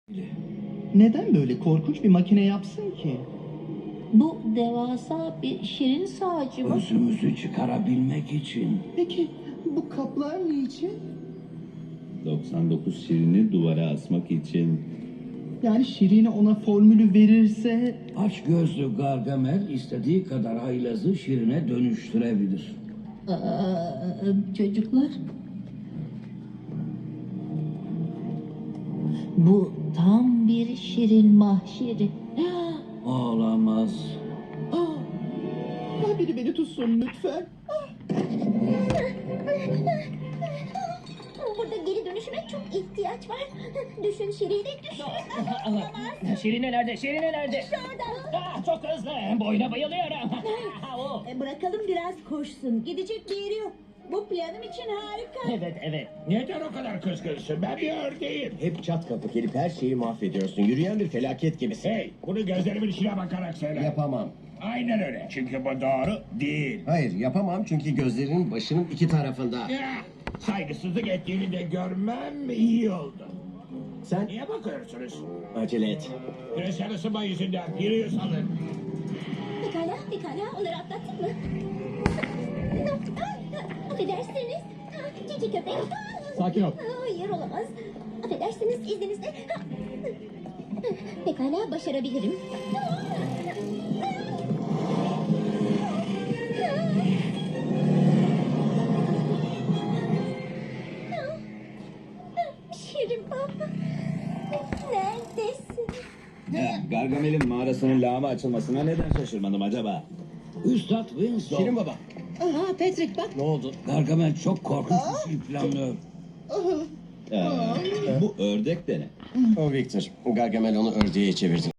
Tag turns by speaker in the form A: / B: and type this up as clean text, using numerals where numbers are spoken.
A: Neden böyle korkunç bir makine yapsın ki?
B: Bu devasa bir şirin sağcı mı?
C: Özümüzü çıkarabilmek için.
A: Peki bu kaplar niçin?
D: 99 şirini duvara asmak için.
A: Yani Şirin'e ona formülü verirse...
C: Aç gözlü Gargamel istediği kadar haylazı şirine dönüştürebilir.
B: Çocuklar. Bu tam bir şirin mahşeri.
C: Olamaz.
A: Biri beni tutsun lütfen.
E: Burada geri dönüşüme çok ihtiyaç var. Düşün Şirin'e düşün.
F: Şirine nerede? Şirine nerede?
E: Orada.
F: Çok hızlı. Boyuna bayılıyorum. O.
E: Bırakalım biraz koşsun. Gidecek bir yeri yok. Bu planım için harika.
F: Evet.
G: Neden o kadar kızgınsın? Ben bir ördeğim.
H: Hep çat kapı gelip her şeyi mahvediyorsun. Yürüyen bir felaket gibisin.
G: Hey, bunu gözlerimin içine bakarak söyle.
H: Yapamam.
G: Aynen öyle. Çünkü bu doğru değil.
H: Hayır yapamam çünkü gözlerinin başının iki tarafında.
G: Ya, saygısızlık ettiğini de görmem iyi oldu.
H: Sen
G: Niye bakıyorsunuz?
H: acele et.
G: Küresel ısınma yüzünden yürüyüş alın.
E: Pekala. Onları atlattın mı? Affedersiniz. Cici köpek.
H: Sakin ol.
E: Hayır olamaz. Affedersiniz izninizle. Pekala başarabilirim. Şirin baba. Neredesin?
D: Gargamel'in mağarasının lağma açılmasına neden şaşırmadım acaba?
C: Üstad Winslow.
H: Şirin baba.
B: Aha Patrick bak.
H: Ne oldu?
C: Gargamel çok korkunç bir şey planlıyor.
D: Bu ördek de ne?
H: O Victor. Gargamel onu ördeğe çevirdi.